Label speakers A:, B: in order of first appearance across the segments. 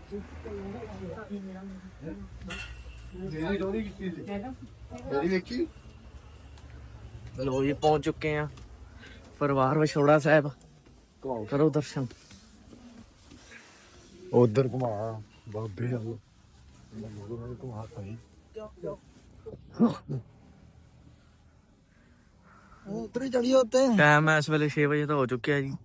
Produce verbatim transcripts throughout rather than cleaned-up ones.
A: ਲੋ ਜੀ ਪਹੁੰਚ ਚੁੱਕੇ ਆ ਪਰਿਵਾਰ ਵਿਛੋੜਾ ਸਾਹਿਬ। ਕਰੋ ਦਰਸ਼ਨ।
B: ਉਧਰ ਘੁਮਾ ਬਾਬੇ ਚੱਲ ਘੁਮਾ ਸਹੀ ਉਧਰ ਹੀ ਚੜੀਏ ਉੱਤੇ।
A: ਟਾਈਮ ਇਸ ਵੇਲੇ ਛੇ ਵਜੇ ਤਾਂ ਹੋ ਚੁੱਕਿਆ ਜੀ।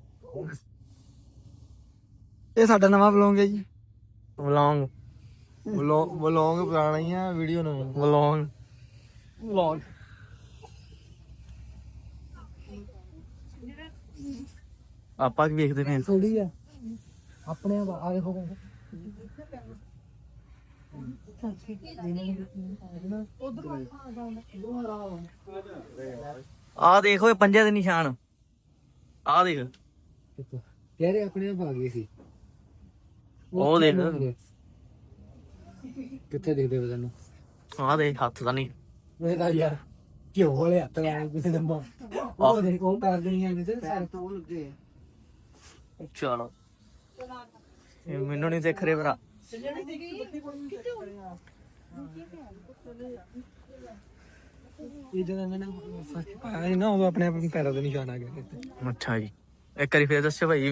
B: ਇਹ ਸਾਡਾ ਨਵਾਂ ਵਲੌਗ ਹੈ ਜੀ।
A: ਵਲੌਂਗ
B: ਵਲੌਗ ਪੁਰਾਣਾ ਹੀ ਆ, ਵੀਡੀਓ ਨਵੀਂ।
A: ਵਲੌਂਗ ਵਲੌਗ ਆਪਾਂ ਕੀ ਵੇਖਦੇ ਪਏ?
B: ਥੋੜੀ ਆ ਆਪਣੇ ਆ ਦੇਖੋ
A: ਆਹ ਦੇਖ ਓਏ ਪੰਜੇ ਦੇ ਨਿਸ਼ਾਨ। ਆਹ ਦੇਖ
B: ਯਾਰ ਆਪਣੇ ਆਪ ਆ ਗਏ ਸੀ।
A: ਉਹ ਦੇਖ
B: ਕਿੱਥੇ ਦਿਖਦੇ ਪਏ ਤੈਨੂੰ?
A: ਆਹ ਦੇਖ ਹੱਥ ਤਾਂ ਨਹੀਂ।
B: ਇਹ ਤਾਂ ਯਾਰ ਕਿਉਂ ਵਾਲੇ ਹੱਥ ਲਾਏ ਕਿਸੇ ਦੇ ਮੂੰਹ। ਉਹ ਦੇਖ ਉਹ ਪੈਰ ਨਹੀਂ ਆਉਂਦੇ ਤੇ ਸਾਰੇ ਤੋਂ ਲੱਗੇ।
A: ਚਲੋ ਇਹ ਮੈਨੂੰ ਨਹੀਂ ਦੇਖ ਰਹੇ ਭਰਾ।
B: ਇਹ ਜਦੋਂ ਇਹਨਾਂ ਨੇ ਫਸਟ ਪਾਇਆ ਸੀ ਨਾ ਉਦੋਂ ਆਪਣੇ ਆਪ ਪੈਰਾਂ ਦੇ ਨਿਸ਼ਾਨ ਆ ਗਏ।
A: ਅੱਛਾ ਜੀ ਇੱਕ ਵਾਰੀ ਫੇਰ ਦੱਸਿਓ ਭਾਈ।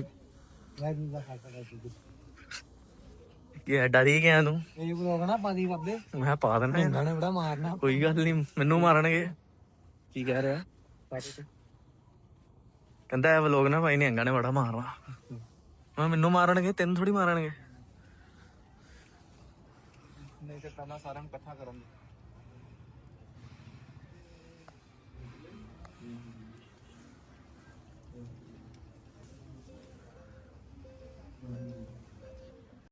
A: ਕੀ ਡਰੀ ਗਿਆ ਤੂੰ?
B: ਇਹ ਬਲੋਗ ਨਾ ਪਾਦੀ ਬਾਬੇ।
A: ਮੈਂ ਪਾ ਦਿੰਦਾ
B: ਇਹਨਾਂ ਨੇ ਬੜਾ ਮਾਰਨਾ।
A: ਕੋਈ ਗੱਲ ਨਹੀਂ ਮੈਨੂੰ ਮਾਰਨਗੇ।
B: ਕੀ ਕਹਿ ਰਿਹਾ?
A: ਕਹਿੰਦਾ ਇਹ ਵਲੋਗ ਨਾ ਭਾਈ ਨਿਹੰਗਾਂ ਨੇ ਬੜਾ ਮਾਰਨਾ। ਮੈਂ ਮੈਨੂੰ ਮਾਰਨਗੇ ਤੈਨੂੰ ਥੋੜੀ ਮਾਰਨਗੇ।
B: ਨਹੀਂ ਤੇ ਪਹਿਲਾਂ ਸਾਰਿਆਂ ਨੂੰ ਇਕੱਠਾ ਕਰਨ ਦੇ।